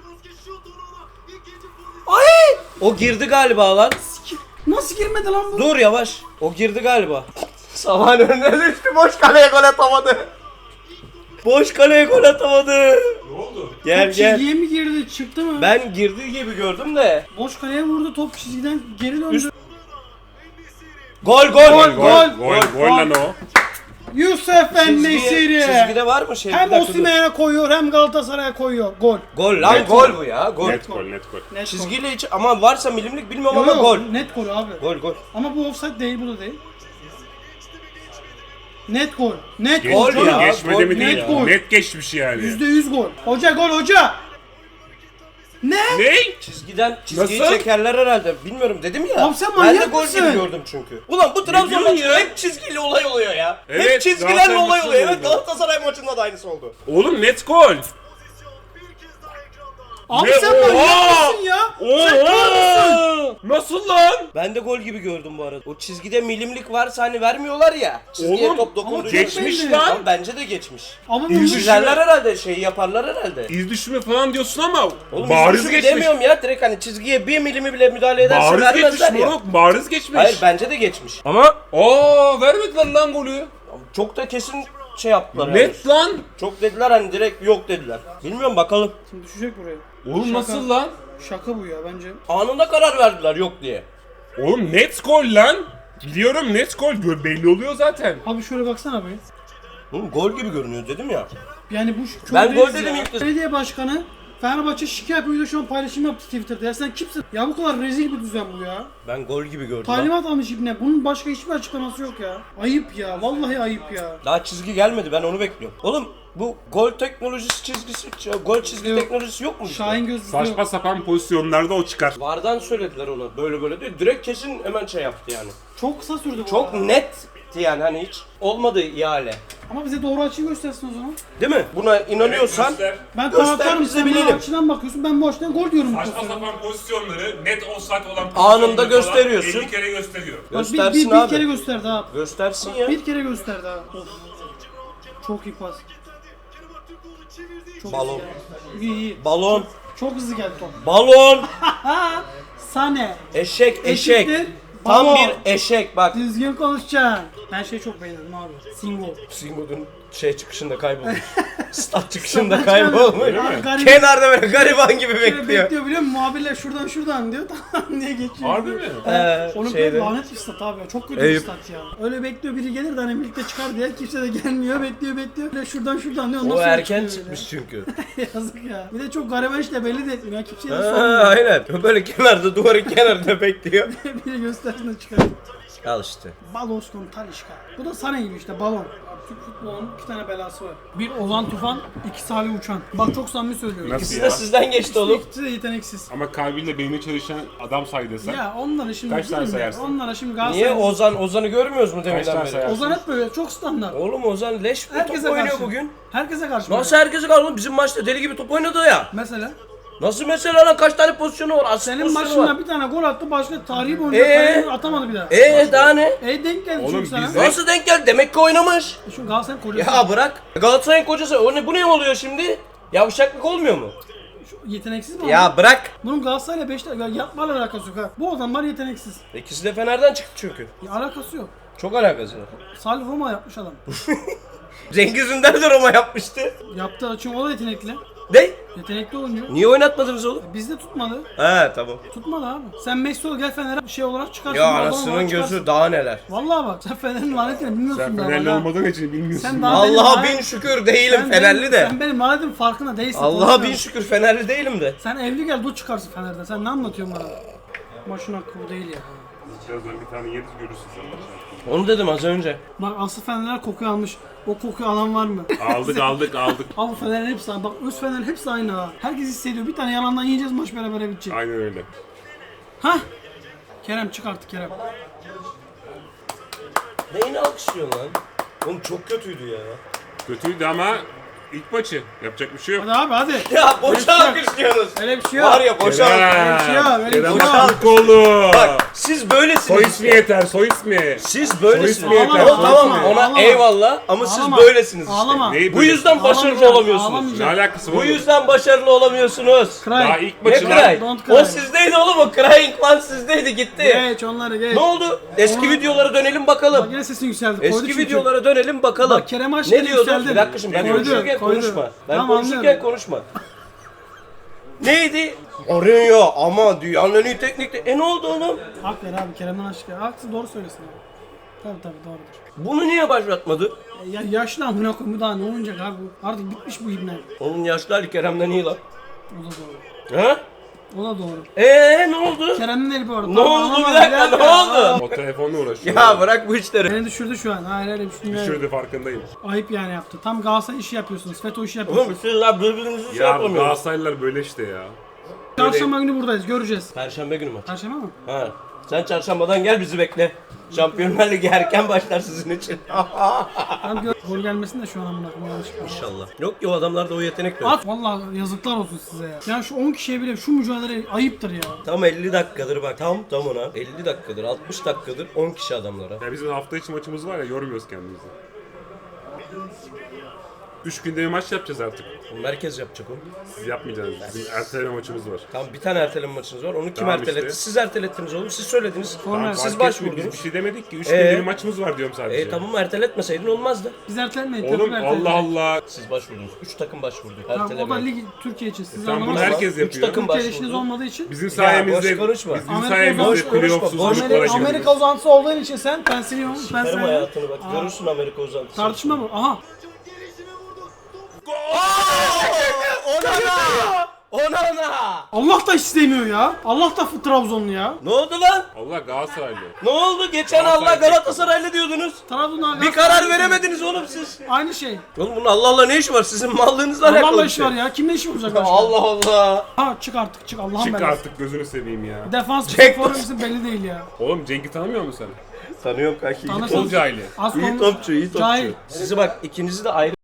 Speaker 1: Ay! O girdi galiba lan.
Speaker 2: Nasıl girmedi lan bu?
Speaker 1: Dur yavaş. O girdi galiba. Saman önüne düştü. Boş kaleye gol atamadı. Boş kaleye gol atamadı.
Speaker 3: Ne oldu?
Speaker 1: Gel
Speaker 2: Top
Speaker 1: gel.
Speaker 2: çizgiye mi girdi? Çıktı mı?
Speaker 1: Ben girdiği gibi gördüm de.
Speaker 2: Boş kaleye vurdu top çizgiden geri döndü.
Speaker 1: Üst- Gol gol
Speaker 3: Gol,
Speaker 1: gol
Speaker 3: gol, gol, gol lan o.
Speaker 2: Yusuf
Speaker 1: Çizgiye-
Speaker 2: En-Nesyri.
Speaker 1: Çizgide var mı şey? Bir
Speaker 2: Hem
Speaker 1: dakika dur.
Speaker 2: Osimhen'e koyuyor hem Galatasaray'a koyuyor. Gol.
Speaker 1: Gol lan
Speaker 3: Net
Speaker 1: gol
Speaker 3: gol.
Speaker 1: bu ya gol.
Speaker 3: Net gol, net gol.
Speaker 2: Net
Speaker 1: Çizgiyle hiç ama varsa milimlik bilmiyorum
Speaker 2: gol.
Speaker 1: ama
Speaker 2: Yo,
Speaker 1: gol.
Speaker 2: yo, net gol abi.
Speaker 1: Gol gol.
Speaker 2: Ama bu offside değil bu da değil. Net gol. Net
Speaker 3: Geç,
Speaker 2: gol.
Speaker 1: Gol
Speaker 2: canım.
Speaker 1: ya,
Speaker 3: geçmedi
Speaker 1: gol,
Speaker 3: mi değil.
Speaker 2: net gol.
Speaker 3: Net geçmiş yani.
Speaker 2: Yüzde yüz gol. Hoca gol hoca. Ne?
Speaker 3: Ne?
Speaker 1: Çizgiden çizgiyi
Speaker 3: Nasıl?
Speaker 1: çekerler herhalde. Bilmiyorum dedim ya.
Speaker 2: Abi sen
Speaker 1: ben de
Speaker 2: manyak
Speaker 1: gol
Speaker 2: mısın?
Speaker 1: gibi gördüm çünkü. Ulan bu Trabzon
Speaker 3: diyorsun
Speaker 1: maçında
Speaker 3: ya?
Speaker 1: hep çizgiyle olay oluyor ya. hep
Speaker 3: Evet,
Speaker 1: çizgilerle
Speaker 3: Galatasaray
Speaker 1: olay
Speaker 3: maçında
Speaker 1: oluyor. Evet
Speaker 3: oldu.
Speaker 1: Galatasaray maçında da aynısı oldu.
Speaker 3: Oğlum net gol.
Speaker 2: Abi
Speaker 3: Ne?
Speaker 2: sen manyak
Speaker 3: Oha!
Speaker 2: mısın ya? Sen kör müsün?
Speaker 3: Nasıl lan?
Speaker 1: Ben de gol gibi gördüm bu arada. O çizgide milimlik varsa hani vermiyorlar ya. Çizgiye
Speaker 3: Oğlum,
Speaker 1: top dokunduğu
Speaker 3: geçmiş
Speaker 2: belli.
Speaker 3: lan.
Speaker 1: Tamam, bence de geçmiş.
Speaker 2: Ama bu
Speaker 1: Çizerler herhalde şey yaparlar herhalde.
Speaker 3: İz düşümü falan diyorsun ama
Speaker 1: Oğlum
Speaker 3: bariz
Speaker 1: bariz
Speaker 3: geçmiş.
Speaker 1: demiyorum ya direkt hani çizgiye bir milimi bile müdahale ederse
Speaker 3: Bariz geçmiş
Speaker 1: vermezler ya.
Speaker 3: moruk. Bariz geçmiş.
Speaker 1: Hayır bence de geçmiş. Ama
Speaker 3: Aa vermediler lan golü.
Speaker 1: çok da kesin şey yaptılar yani.
Speaker 3: Net lan.
Speaker 1: Çok dediler hani direkt yok dediler. Bilmiyorum bakalım.
Speaker 2: Şimdi düşecek buraya.
Speaker 3: Oğlum
Speaker 2: Şaka.
Speaker 3: nasıl lan?
Speaker 2: Şaka bu ya bence.
Speaker 1: Anında karar verdiler yok diye.
Speaker 3: Oğlum net gol lan. Biliyorum net gol. Gö- belli oluyor zaten.
Speaker 2: Abi şöyle baksana be.
Speaker 1: Oğlum gol gibi görünüyor dedim ya.
Speaker 2: Yani bu şu
Speaker 1: Ben
Speaker 2: kör
Speaker 1: gol
Speaker 2: reis
Speaker 1: dedim
Speaker 2: ya.
Speaker 1: ilk kez.
Speaker 2: Belediye başkanı Fenerbahçe şikayet yapıyor şu an paylaşım yaptı Twitter'da. Ya sen kimsin? Ya bu kadar rezil bir düzen bu ya.
Speaker 1: Ben gol gibi gördüm. ha.
Speaker 2: Talimat almış ibne. Bunun başka hiçbir açıklaması yok ya. Ayıp ya. Vallahi ayıp ya.
Speaker 1: Daha çizgi gelmedi, ben onu bekliyorum. Oğlum bu gol teknolojisi çizgisi, gol çizgi
Speaker 2: Yok.
Speaker 1: teknolojisi yok mu? bizde?
Speaker 2: Şahin gözlüğü
Speaker 3: Saçma
Speaker 2: yok.
Speaker 3: sapan pozisyonlarda o çıkar.
Speaker 1: Vardan söylediler ona böyle böyle diyor. Direkt kesin hemen şey yaptı yani.
Speaker 2: Çok kısa sürdü bu
Speaker 1: Çok
Speaker 2: arada.
Speaker 1: netti yani, hani hiç olmadı ihale.
Speaker 2: Ama bize doğru açıyı göstersin o zaman.
Speaker 1: Değil mi? Buna inanıyorsan
Speaker 3: Göster.
Speaker 2: Ben
Speaker 1: Göster,
Speaker 2: taraftarım.
Speaker 1: biz de
Speaker 2: Sen bu
Speaker 1: bilelim.
Speaker 2: açıdan bakıyorsun. Ben bu açıdan gol diyorum. bu
Speaker 3: Saçma
Speaker 2: pozisyona.
Speaker 3: sapan pozisyonları net offside olan
Speaker 1: Anında
Speaker 3: pozisyonları
Speaker 1: gösteriyorsun.
Speaker 3: falan elli kere gösteriyor.
Speaker 2: Bak, bir,
Speaker 1: göstersin
Speaker 2: bir, bir
Speaker 1: abi.
Speaker 2: kere gösterdi ha.
Speaker 1: Göstersin ya.
Speaker 2: Bir kere gösterdi ha. Of. Çok iyi pas. Çok
Speaker 1: Balon.
Speaker 2: İyi iyi.
Speaker 1: Balon.
Speaker 2: Çok hızlı geldi top.
Speaker 1: Balon.
Speaker 2: Sane.
Speaker 1: Eşek eşek.
Speaker 2: Eşittir,
Speaker 1: Tam
Speaker 2: balon.
Speaker 1: bir eşek bak.
Speaker 2: Düzgün konuşacaksın. Ben şeyi çok beğendim abi. Singo.
Speaker 1: Singo'nun şey çıkışında kaybolmuş. Stat çıkışında
Speaker 2: Stat çıkışında-
Speaker 1: kaybolmuş.
Speaker 3: Öyle mi?
Speaker 2: Garip-
Speaker 1: Kenarda böyle gariban gibi
Speaker 2: Şöyle
Speaker 1: bekliyor.
Speaker 2: bekliyor biliyor musun? Muhabirler şuradan şuradan diyor. Tamam diye geçiyor.
Speaker 3: Harbi mi?
Speaker 1: Ee,
Speaker 2: Onun
Speaker 1: şeyde.
Speaker 2: böyle lanet bir stat abi ya. Çok kötü bir
Speaker 1: Eyüp.
Speaker 2: stat ya. Öyle bekliyor biri gelir de hani birlikte çıkar diye kimse de gelmiyor. Bekliyor bekliyor. Böyle şuradan şuradan diyor. Ondan
Speaker 1: O
Speaker 2: sonra
Speaker 1: erken
Speaker 2: çıkıyor böyle.
Speaker 1: çıkmış çünkü.
Speaker 2: Yazık ya. Bir de çok gariban işte belli de etmiyor. Kimseye de
Speaker 1: Ha,
Speaker 2: sormuyor.
Speaker 1: aynen. Böyle kenarda, duvarın kenarında bekliyor.
Speaker 2: Biri göstersin de çıkar.
Speaker 1: Al işte.
Speaker 2: Baloskon Talişka. Bu da Sane gibi işte balon. Türk futbolunun iki tane belası var. Bir Ozan Tufan, iki Salih Uçan. Bak çok samimi söylüyorum.
Speaker 3: Nasıl
Speaker 1: İkisi
Speaker 3: ya?
Speaker 1: de sizden geçti oğlum.
Speaker 2: İkisi de yeteneksiz.
Speaker 3: Ama kalbiyle beyni çalışan adam say desen.
Speaker 2: Ya onlara şimdi
Speaker 3: Kaç tane
Speaker 2: bilmiyorum ya,
Speaker 3: sayarsın?
Speaker 2: Onlara şimdi
Speaker 1: Niye
Speaker 2: Galatasaray...
Speaker 1: Ozan Ozan'ı görmüyoruz mu
Speaker 3: Kaç
Speaker 1: deminden
Speaker 3: tane
Speaker 1: beri?
Speaker 3: sayarsın?
Speaker 2: Ozan hep böyle çok standart.
Speaker 1: Oğlum Ozan leş bir
Speaker 2: Herkese
Speaker 1: top oynuyor
Speaker 2: karşı.
Speaker 1: bugün.
Speaker 2: Herkese karşı.
Speaker 1: Nasıl
Speaker 2: böyle.
Speaker 1: herkese kaldı oğlum? Bizim maçta deli gibi top oynadı ya.
Speaker 2: Mesela
Speaker 1: Nasıl mesela lan, kaç tane pozisyonu var? Asist
Speaker 2: senin
Speaker 1: pozisyonu
Speaker 2: maçında
Speaker 1: var.
Speaker 2: bir tane gol attı, başka tarihi boyunca
Speaker 1: Ee?
Speaker 2: kaleye atamadı bir daha.
Speaker 1: Eee daha ne?
Speaker 2: E denk geldi
Speaker 3: Oğlum
Speaker 2: çünkü sana.
Speaker 3: bize-
Speaker 1: Nasıl denk geldi? Demek ki oynamış.
Speaker 2: Şu Galatasaray kocası.
Speaker 1: Ya bırak. Galatasaray'ın kocası. O ne, bu ne oluyor şimdi? Yavşaklık olmuyor mu?
Speaker 2: Şu yeteneksiz mi?
Speaker 1: Ya bırak.
Speaker 2: Bunun Galatasaray'la Beşiktaş ya yapmayla alakası yok ha. Bu adamlar yeteneksiz.
Speaker 1: İkisi de Fener'den çıktı çünkü.
Speaker 2: Ya alakası yok.
Speaker 1: Çok alakası var.
Speaker 2: Salih Roma yapmış adam.
Speaker 1: Cengiz Ünder de Roma yapmıştı.
Speaker 2: Yaptı çünkü o da yetenekli.
Speaker 1: Ne?
Speaker 2: Yetenekli oyuncu.
Speaker 1: Niye oynatmadınız oğlum?
Speaker 2: Bizde tutmadı.
Speaker 1: He tamam.
Speaker 2: Tutmadı abi. Sen Messi ol gel Fener'e şey olarak çıkarsın.
Speaker 1: Ya
Speaker 2: adam olarak
Speaker 1: anasının
Speaker 2: çıkarsın.
Speaker 1: gözü daha neler.
Speaker 2: Vallahi bak sen Fener'in lanetini bilmiyorsun
Speaker 3: Sen
Speaker 2: daha.
Speaker 3: Fenerli
Speaker 2: bak ha.
Speaker 3: olmadığın için bilmiyorsun.
Speaker 2: Sen daha- benim
Speaker 1: Allah'a
Speaker 2: lanet-
Speaker 1: bin şükür değilim
Speaker 2: Sen
Speaker 1: Fenerli
Speaker 2: benim-
Speaker 1: de.
Speaker 2: Sen benim lanetin farkında değilsin.
Speaker 1: Allah'a bin
Speaker 2: konuşmuyorum.
Speaker 1: şükür Fenerli değilim de.
Speaker 2: Sen evli gel dur çıkarsın Fener'den. Sen ne anlatıyorsun bana? Maçın hakkı bu değil ya.
Speaker 3: Birazdan bir tane yeriz görürsün sen.
Speaker 1: Onu dedim az önce.
Speaker 2: Bak asıl Fenerler kokuyu almış. O kokuyu alan var mı?
Speaker 3: Aldık aldık aldık.
Speaker 2: Abi Fener'in hepsi aynı. Bak öz Fener'in hepsi aynı ha. Herkes hissediyor. Bir tane yalandan yiyeceğiz maç beraber bitecek.
Speaker 3: Aynen öyle.
Speaker 2: Hah! Kerem çık artık Kerem.
Speaker 1: Neyini alkışlıyorsun lan? Oğlum çok kötüydü ya.
Speaker 3: Kötüydü ama ilk maçı. Yapacak bir şey yok.
Speaker 2: Hadi abi hadi.
Speaker 1: Ya boşa
Speaker 2: Öyle bir şey yok.
Speaker 1: alkışlıyorsunuz.
Speaker 2: Öyle bir şey yok.
Speaker 1: Var ya boşa alkış.
Speaker 2: Öyle bir şey yok, öyle bir
Speaker 3: Kerem
Speaker 2: şey yok.
Speaker 3: Aktürkoğlu.
Speaker 1: Bak siz böylesiniz.
Speaker 3: Soy ismi yeter, soy ismi.
Speaker 1: Siz böylesiniz.
Speaker 3: Soy ismi yeter,
Speaker 1: O
Speaker 2: soy
Speaker 1: tamam
Speaker 2: ismi.
Speaker 1: ona
Speaker 2: Ağlama.
Speaker 1: eyvallah ama siz
Speaker 2: Ağlama.
Speaker 1: böylesiniz işte.
Speaker 2: Ağlama.
Speaker 3: Neyi
Speaker 1: Bu
Speaker 3: böyle?
Speaker 1: yüzden başarılı
Speaker 2: Ağlamayacağım,
Speaker 1: olamıyorsunuz.
Speaker 3: Ne
Speaker 2: ağlamayacağım.
Speaker 3: alakası var?
Speaker 1: Bu
Speaker 3: oğlum?
Speaker 1: yüzden başarılı olamıyorsunuz.
Speaker 3: Daha
Speaker 2: Cry.
Speaker 3: ilk
Speaker 1: Ne
Speaker 3: maçı
Speaker 1: cry?
Speaker 2: Don't cry.
Speaker 1: O sizdeydi oğlum, o crying one sizdeydi gitti.
Speaker 2: Geç onları geç.
Speaker 1: Ne oldu? Eski
Speaker 2: Ona-
Speaker 1: videolara dönelim
Speaker 2: Bak
Speaker 1: bakalım.
Speaker 2: yine sesin yükseldi. Koydu
Speaker 1: Eski
Speaker 2: çünkü.
Speaker 1: videolara dönelim bakalım.
Speaker 2: Bak Kerem Aşkın
Speaker 1: Ne diyordun?
Speaker 2: yükseldi.
Speaker 1: Bir dakika şimdi ben
Speaker 3: Koydu,
Speaker 1: konuşurken
Speaker 2: koydu.
Speaker 1: konuşma. Ben
Speaker 2: Tamam,
Speaker 1: konuşurken
Speaker 2: anlıyorum.
Speaker 1: konuşma. Neydi? Arıyor ama dünyanın en iyi teknikte. E ne oldu oğlum?
Speaker 2: Hak ver abi Kerem'den aşk ya. Haksız doğru söylesin abi. Tabii tabii doğrudur.
Speaker 1: Bunu niye başlatmadı?
Speaker 2: E, Ya yaşlı amına koyayım bu daha ne oynayacak abi bu? Artık bitmiş bu ibne.
Speaker 1: Onun yaşlı Ali Kerem'den iyi lan.
Speaker 2: O da doğru.
Speaker 1: Ha?
Speaker 2: O da doğru.
Speaker 1: Eee ne oldu?
Speaker 2: Kerem'in eli bu arada.
Speaker 1: Ne
Speaker 2: Tamam,
Speaker 1: oldu
Speaker 2: ama
Speaker 1: bir dakika, ne oldu?
Speaker 3: O telefonla uğraşıyor.
Speaker 1: Ya bırak bu işleri.
Speaker 2: Beni düşürdü şu an. Hayır hayır bir şey
Speaker 3: Şurada farkındayım.
Speaker 2: Ayıp yani yaptı. Tam Galatasaray işi yapıyorsunuz. FETÖ işi yapıyorsunuz.
Speaker 1: Oğlum sizler birbirinizi şey
Speaker 3: Ya
Speaker 1: yapamıyorsunuz.
Speaker 3: Galatasaraylılar böyle işte ya.
Speaker 2: Çarşamba günü buradayız. Göreceğiz.
Speaker 1: Perşembe günü maç.
Speaker 2: Perşembe mi?
Speaker 1: Ha. Sen çarşambadan gel bizi bekle. Şampiyonlar Ligi erken başlar sizin için.
Speaker 2: Ben gör gol gelmesin de şu an amına koyayım yanlışlıkla.
Speaker 1: İnşallah. Yok ki o adamlarda o yetenek yok.
Speaker 2: At vallahi yazıklar olsun size ya. Yani şu on kişiye bile şu mücadele ayıptır ya.
Speaker 1: Tam elli dakikadır bak, tam tam ona. elli dakikadır, altmış dakikadır on kişi adamlara.
Speaker 3: Ya bizim hafta içi maçımız var ya, yormuyoruz kendimizi. Üç günde bir maç yapacağız artık.
Speaker 1: Merkez yapacak onu.
Speaker 3: Siz yapmayacaksınız. Bizim erteleme maçımız var.
Speaker 1: Tamam bir tane erteleme maçınız var. Onu kim
Speaker 3: Tamam
Speaker 1: erteletti?
Speaker 3: işte.
Speaker 1: Siz ertelettiniz oğlum. Siz söylediniz.
Speaker 2: Tamam,
Speaker 1: Siz
Speaker 3: Fark etmiyor, Biz
Speaker 1: başvurdunuz.
Speaker 3: bir şey demedik ki. Üç
Speaker 1: Ee?
Speaker 3: günde bir maçımız var diyorum sadece.
Speaker 1: E tamam erteletmeseydin olmazdı.
Speaker 2: Biz ertelemeyin.
Speaker 3: Oğlum
Speaker 2: takım erteleyin.
Speaker 3: Allah Allah.
Speaker 1: Siz başvurdunuz. üç takım başvurdu.
Speaker 2: Tamam, o da
Speaker 1: Erteleme.
Speaker 2: lig Türkiye için. Siz
Speaker 3: Tamam, bunu
Speaker 2: anlamazsınız.
Speaker 3: herkes
Speaker 1: Üç
Speaker 3: yapıyor.
Speaker 1: takım
Speaker 2: Türkiye işiniz
Speaker 1: başvurdu.
Speaker 2: olmadığı için.
Speaker 3: Bizim
Speaker 1: boş
Speaker 3: sayemizde,
Speaker 1: konuşma.
Speaker 3: bizim
Speaker 2: Amerika
Speaker 3: sayemizde
Speaker 2: boş konuşma,
Speaker 3: playoffsuz
Speaker 1: boş
Speaker 3: gruplara
Speaker 2: Amerika,
Speaker 3: girdik.
Speaker 2: Amerika uzantısı olduğun için sen ben siliyorum. Ben
Speaker 1: Karım
Speaker 2: siliyorum.
Speaker 1: hayatını bak.
Speaker 2: Aa.
Speaker 1: Görürsün Amerika uzantısı.
Speaker 2: Tartışma mı? Aha.
Speaker 1: Onana! Onana!
Speaker 2: Allah da istemiyor ya. Allah da Trabzonlu ya.
Speaker 1: Ne oldu lan?
Speaker 3: Allah Galatasaraylı.
Speaker 1: Ne oldu? Geçen Allah
Speaker 3: Galatasaray-
Speaker 1: Galatasaraylı diyordunuz.
Speaker 2: Trabzon'a
Speaker 1: Bir karar veremediniz oğlum siz.
Speaker 2: Aynı şey.
Speaker 1: Oğlum bunun Allah Allah ne işi var? Sizin mallığınızla alakalı
Speaker 2: Allah'la
Speaker 1: bir
Speaker 2: iş
Speaker 1: şey.
Speaker 2: var ya. Kimle iş olacak başka?
Speaker 1: Allah Allah.
Speaker 2: Ha çık artık çık Allah'ın
Speaker 3: Çık
Speaker 2: belası.
Speaker 3: artık gözünü seveyim ya.
Speaker 2: Defans
Speaker 1: Jack-
Speaker 2: forveti belli değil ya.
Speaker 3: Oğlum Cenk'i tanımıyor musun sen?
Speaker 1: Tanıyorum kanki. iyi
Speaker 2: Tanırsın.
Speaker 3: Futbol
Speaker 1: topçu.
Speaker 3: cahili.
Speaker 2: Az
Speaker 1: İyi
Speaker 2: konuş-
Speaker 1: topçu, iyi topçu.
Speaker 2: Cahil.
Speaker 1: Sizi bak ikinizi de ayrı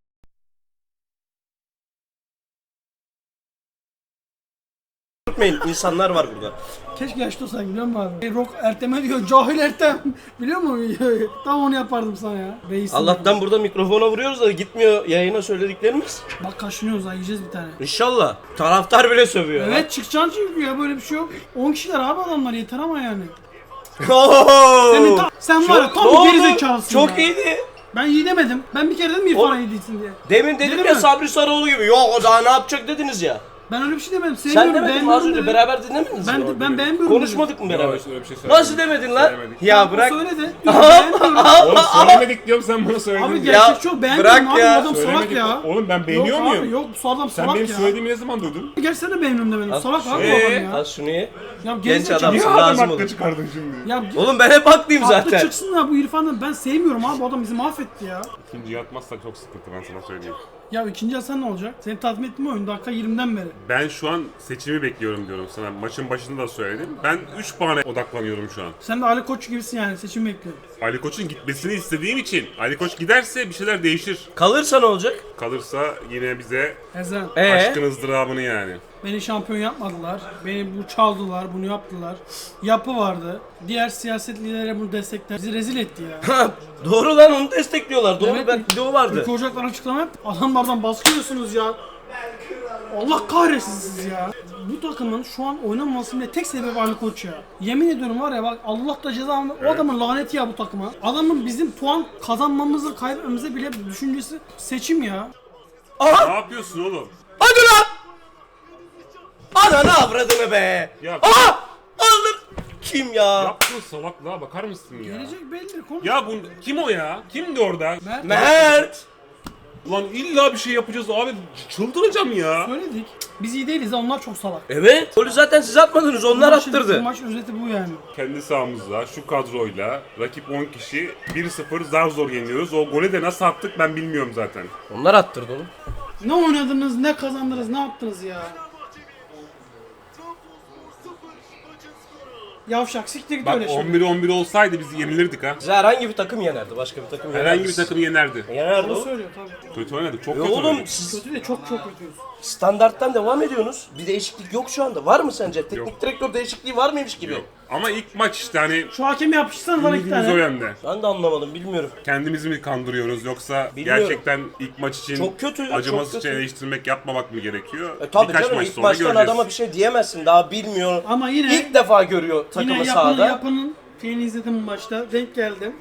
Speaker 1: tutmayın. İnsanlar var burada.
Speaker 2: Keşke yaşlı olsan biliyor musun abi? E, Rock Ertem'e diyor cahil Ertem. Biliyor musun? Tam onu yapardım sana ya. Reisim.
Speaker 1: Allah'tan burada mikrofona vuruyoruz da gitmiyor yayına söylediklerimiz.
Speaker 2: Bak kaşınıyoruz ha yiyeceğiz bir tane.
Speaker 1: İnşallah. Taraftar bile sövüyor.
Speaker 2: Evet çıkacaksın çünkü ya böyle bir şey yok. on kişiler abi adamlar yeter ama yani.
Speaker 1: Oo!
Speaker 2: Senin ta- sen var ya
Speaker 1: Çok-
Speaker 2: tam
Speaker 1: ne
Speaker 2: bir
Speaker 1: oldu?
Speaker 2: gerizekalısın
Speaker 1: Çok
Speaker 2: ya.
Speaker 1: iyiydi.
Speaker 2: Ben iyi demedim. Ben bir kere dedim İrfan'a
Speaker 1: Oğlum-
Speaker 2: iyi değilsin diye.
Speaker 1: Demin dedim
Speaker 2: Dedim
Speaker 1: ya
Speaker 2: mi?
Speaker 1: Sabri Sarıoğlu gibi. Yok o daha ne yapacak dediniz ya.
Speaker 2: Ben öyle bir şey demedim.
Speaker 1: Sen
Speaker 2: Sevmiyorum,
Speaker 1: demedin mi az
Speaker 2: beğenmiyorum
Speaker 1: önce
Speaker 2: dedim.
Speaker 1: beraber dinlemediniz
Speaker 2: Ben,
Speaker 1: mi?
Speaker 2: de, ben beğenmiyorum
Speaker 1: Konuşmadık mı beraber?
Speaker 3: Yok, öyle bir şey söylemedik.
Speaker 1: Nasıl demedin lan?
Speaker 3: Söylemedik.
Speaker 1: Ya
Speaker 2: dedim.
Speaker 1: bırak.
Speaker 2: O söyledi. Diyor, beğenmiyorum.
Speaker 3: Oğlum söylemedik diyorum sen bana söyledin.
Speaker 2: Abi
Speaker 3: diye.
Speaker 2: gerçek çok beğenmiyorum
Speaker 1: bırak
Speaker 2: abi
Speaker 1: ya.
Speaker 2: bu adam salak
Speaker 3: Söylemedik.
Speaker 2: ya.
Speaker 3: Oğlum ben beğeniyor
Speaker 2: yok
Speaker 3: muyum?
Speaker 2: Abi, yok bu adam
Speaker 3: Sen
Speaker 2: salak
Speaker 3: benim
Speaker 2: ya.
Speaker 3: söylediğimi ne zaman duydun?
Speaker 2: Gerçi sen de beğenmiyorum demedim. Salak abi bu
Speaker 3: Ee?
Speaker 2: adam ya.
Speaker 1: Az şunu ye.
Speaker 2: Ya
Speaker 1: Genç
Speaker 2: gerizekalı.
Speaker 1: adam.
Speaker 3: Niye
Speaker 1: Lazım
Speaker 3: adam
Speaker 1: olur.
Speaker 3: haklı çıkardın şimdi?
Speaker 2: Ya
Speaker 1: Oğlum ben hep haklıyım
Speaker 2: haklı
Speaker 1: zaten.
Speaker 2: çıksın da bu İrfan'ı ben sevmiyorum abi bu adam bizi mahvetti ya.
Speaker 3: İkinciyi atmazsak çok sıkıntı ben sana söyleyeyim.
Speaker 2: Ya ikinci yarı ne olacak? Seni tatmin etti mi oyun dakika yirmiden beri?
Speaker 3: Ben şu an seçimi bekliyorum diyorum sana. Maçın başında da söyledim. Ben üç puana odaklanıyorum şu an.
Speaker 2: Sen de Ali Koç gibisin yani seçim bekliyorum.
Speaker 3: Ali Koç'un gitmesini istediğim için. Ali Koç giderse bir şeyler değişir.
Speaker 1: Kalırsa ne olacak?
Speaker 3: Kalırsa yine bize
Speaker 2: Ezen.
Speaker 1: Ee?
Speaker 3: aşkın ızdırabını yani.
Speaker 2: Beni şampiyon yapmadılar. Beni bu çaldılar, bunu yaptılar. Yapı vardı. Diğer siyaset liderleri bunu destekler. Bizi rezil etti ya.
Speaker 1: Doğru lan onu destekliyorlar. Doğru
Speaker 2: Evet.
Speaker 1: ben video vardı.
Speaker 2: Ülke Ocak'tan açıklama yap. Adamlardan baskı yiyorsunuz ya. Allah kahretsin siz ya. Bu takımın şu an oynamamasının tek sebebi Ali Koç ya. Yemin ediyorum var ya bak Allah da ceza alma- O adamın laneti ya bu takıma. Adamın bizim puan kazanmamızı kaybetmemize bile düşüncesi seçim ya.
Speaker 1: Aha!
Speaker 3: Ne yapıyorsun oğlum?
Speaker 1: Hadi lan! Ananı avradını be!
Speaker 3: Ya-
Speaker 1: Aha! Aldım! Kim ya?
Speaker 3: Yaptığın salaklığa bakar mısın ya?
Speaker 2: Gelecek belli. Konuş.
Speaker 3: Ya bu kim o ya? Kimdi orada?
Speaker 2: Mert,
Speaker 1: Mert!
Speaker 3: Ulan illa bir şey yapacağız abi. Çıldıracağım ya.
Speaker 2: söyledik. Biz iyi değiliz onlar çok salak.
Speaker 1: Evet. Golü zaten siz atmadınız onlar
Speaker 2: Maçın-
Speaker 1: attırdı.
Speaker 2: Maç özeti bu yani.
Speaker 3: Kendi sahamızda şu kadroyla rakip on kişi bir sıfır zar zor yeniyoruz. O golü de nasıl attık ben bilmiyorum zaten.
Speaker 1: Onlar attırdı onu.
Speaker 2: Ne oynadınız, ne kazandınız, ne yaptınız ya? Yavşak siktir git
Speaker 3: Bak
Speaker 2: öyle şey.
Speaker 3: on bir on bir olsaydı biz yenilirdik ha.
Speaker 1: Bize herhangi bir takım yenerdi. Başka bir takım yenerdi.
Speaker 3: Herhangi bir takım yenerdi.
Speaker 1: Yenerdi
Speaker 2: Onu
Speaker 1: o.
Speaker 2: söylüyor tabii.
Speaker 3: Kötü oynadık. Çok
Speaker 1: E
Speaker 3: kötü
Speaker 1: oğlum
Speaker 3: oynadık.
Speaker 1: siz
Speaker 2: Kötü de çok çok kötüyüz.
Speaker 1: standarttan devam ediyorsunuz. Bir değişiklik yok şu anda. Var mı sence? Teknik
Speaker 3: Yok.
Speaker 1: direktör değişikliği var mıymış gibi?
Speaker 3: Yok. Ama ilk maç işte hani
Speaker 2: Şu hakemi yapıştırsan bana iki
Speaker 3: ümidimiz o
Speaker 2: tane.
Speaker 3: yönde.
Speaker 1: Ben de anlamadım bilmiyorum.
Speaker 3: Kendimizi mi kandırıyoruz yoksa
Speaker 1: Bilmiyorum.
Speaker 3: gerçekten ilk maç için
Speaker 1: Çok kötü, çok
Speaker 3: acımasızca
Speaker 1: kötü.
Speaker 3: eleştirmek yapmamak mı gerekiyor?
Speaker 1: E tabii
Speaker 3: Birkaç
Speaker 1: canım
Speaker 3: maç
Speaker 1: ilk
Speaker 3: sonra
Speaker 1: maçtan
Speaker 3: göreceğiz.
Speaker 1: adama bir şey diyemezsin. Daha bilmiyor.
Speaker 2: Ama yine
Speaker 1: İlk defa görüyor takımı
Speaker 2: yine yapının
Speaker 1: sahada.
Speaker 2: yapının şeyini izledim bu maçta. Denk geldim.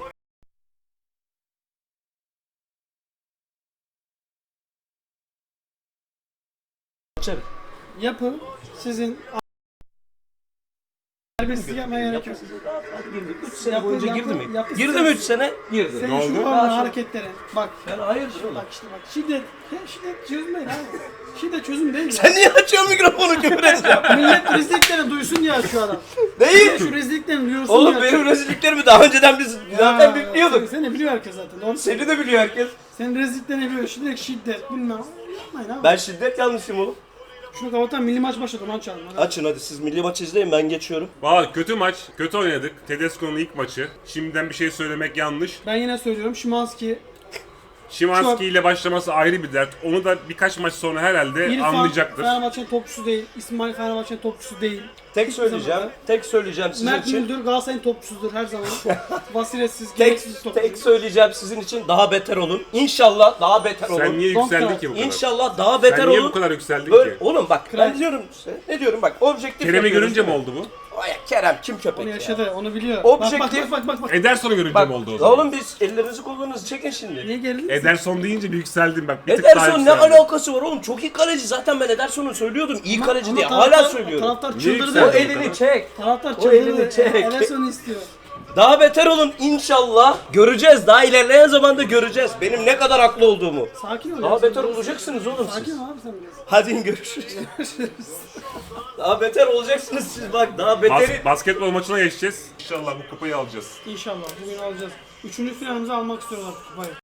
Speaker 1: Açarım.
Speaker 2: Yapı sizin serbestlik yapmaya gerek yok.
Speaker 1: üç sene
Speaker 2: Yapı-
Speaker 1: boyunca
Speaker 2: yapı-
Speaker 1: girdi mi?
Speaker 2: yapı-
Speaker 1: Girdi mi üç sene? Girdi.
Speaker 2: Senin
Speaker 3: Ne
Speaker 2: şu
Speaker 3: oldu?
Speaker 2: anda hareketlerin. Bak.
Speaker 1: Ben hayırdır oğlum?
Speaker 2: Bak işte bak. Şiddet. Ya şiddet çözüm değil abi. Şiddet çözüm değil.
Speaker 1: Sen niye açıyorsun mikrofonu küfür edeceğim?
Speaker 2: Millet rezilliklerini duysun diye şu adam.
Speaker 1: Değil.
Speaker 2: Şu rezilliklerini duyursun
Speaker 1: Oğlum
Speaker 2: diye.
Speaker 1: benim rezilliklerimi daha önceden biz zaten bipliyorduk.
Speaker 2: Seni, seni biliyor herkes zaten. Doğru.
Speaker 1: Seni de biliyor herkes.
Speaker 2: Senin rezilliklerini biliyor. Şiddet, şiddet bilmem. Yapmayın abi.
Speaker 1: Ben şiddet yanlışım oğlum.
Speaker 2: Şunu kapatan milli maç başladı. Onu açalım. Hadi.
Speaker 1: Açın hadi siz milli maç izleyin ben geçiyorum.
Speaker 3: Valla kötü maç, kötü oynadık. Tedesco'nun ilk maçı. Şimdiden bir şey söylemek yanlış.
Speaker 2: Ben yine söylüyorum. Şimanski,
Speaker 3: Şimanski ile başlaması ayrı bir dert. Onu da birkaç maç sonra herhalde
Speaker 2: İrfan
Speaker 3: anlayacaktır.
Speaker 2: Fenerbahçe'nin topçusu değil. İsmail Fenerbahçe'nin topçusu değil.
Speaker 1: Tek
Speaker 2: Hiçbir
Speaker 1: söyleyeceğim,
Speaker 2: zaman.
Speaker 1: tek söyleyeceğim sizin
Speaker 2: Mert
Speaker 1: için.
Speaker 2: Müldür Galatasaray'ın topçusudur her zaman. Basiretsiz,
Speaker 1: Tek,
Speaker 2: gereksiz topçu.
Speaker 1: tek söyleyeceğim sizin için daha beter olun. İnşallah daha beter olun.
Speaker 3: Sen niye
Speaker 2: Son
Speaker 3: yükseldin
Speaker 2: taraf.
Speaker 3: ki bu kadar?
Speaker 1: İnşallah daha beter
Speaker 3: Sen niye
Speaker 1: olun.
Speaker 3: bu kadar yükseldin
Speaker 1: Böyle,
Speaker 3: ki?
Speaker 1: oğlum bak
Speaker 2: Kral.
Speaker 1: ben diyorum size. Ne diyorum bak objektif
Speaker 3: Kerem'i
Speaker 1: yapıyoruz
Speaker 3: görünce mi
Speaker 1: değil
Speaker 3: oldu bu?
Speaker 1: Ay, Kerem kim köpek
Speaker 2: Onu
Speaker 1: ya?
Speaker 2: yaşadı, onu biliyor.
Speaker 1: Objektif-
Speaker 2: Bak bak bak bak. bak.
Speaker 3: Ederson'u görünce
Speaker 1: Bak
Speaker 3: mi oldu o zaman?
Speaker 1: oğlum biz ellerinizi kolunuzu çekin şimdi.
Speaker 2: Niye gerildin?
Speaker 3: Ederson deyince bir yükseldim bak. Bir tık daha
Speaker 1: Ederson ne
Speaker 3: yükseldim.
Speaker 1: alakası var oğlum? Çok iyi kaleci. Zaten ben Ederson'u söylüyordum. İyi kaleci
Speaker 2: Ama
Speaker 1: diye.
Speaker 2: taraftar-
Speaker 1: Hala söylüyorum.
Speaker 2: Taraftar
Speaker 3: Niye
Speaker 2: çıldırdı.
Speaker 1: O
Speaker 3: yükseldin?
Speaker 1: elini çek.
Speaker 2: Taraftar
Speaker 1: O elini
Speaker 2: çıldırdı.
Speaker 1: çek.
Speaker 2: Ederson'u istiyor.
Speaker 1: Daha beter olun inşallah. Göreceğiz. Daha ilerleyen zamanda göreceğiz. Benim ne kadar haklı olduğumu.
Speaker 2: Sakin ol.
Speaker 1: Daha
Speaker 2: ya,
Speaker 1: beter
Speaker 2: sen-
Speaker 1: olacaksınız oğlum
Speaker 2: Sakin
Speaker 1: siz.
Speaker 2: ol abi sen biraz.
Speaker 1: Hadi görüşürüz. Daha beter olacaksınız siz bak. Daha
Speaker 3: Bas-
Speaker 1: beteri.
Speaker 3: basketbol maçına geçeceğiz. İnşallah bu kupayı alacağız.
Speaker 2: İnşallah bugün alacağız. Üçüncü finalimizi almak istiyorlar kupayı.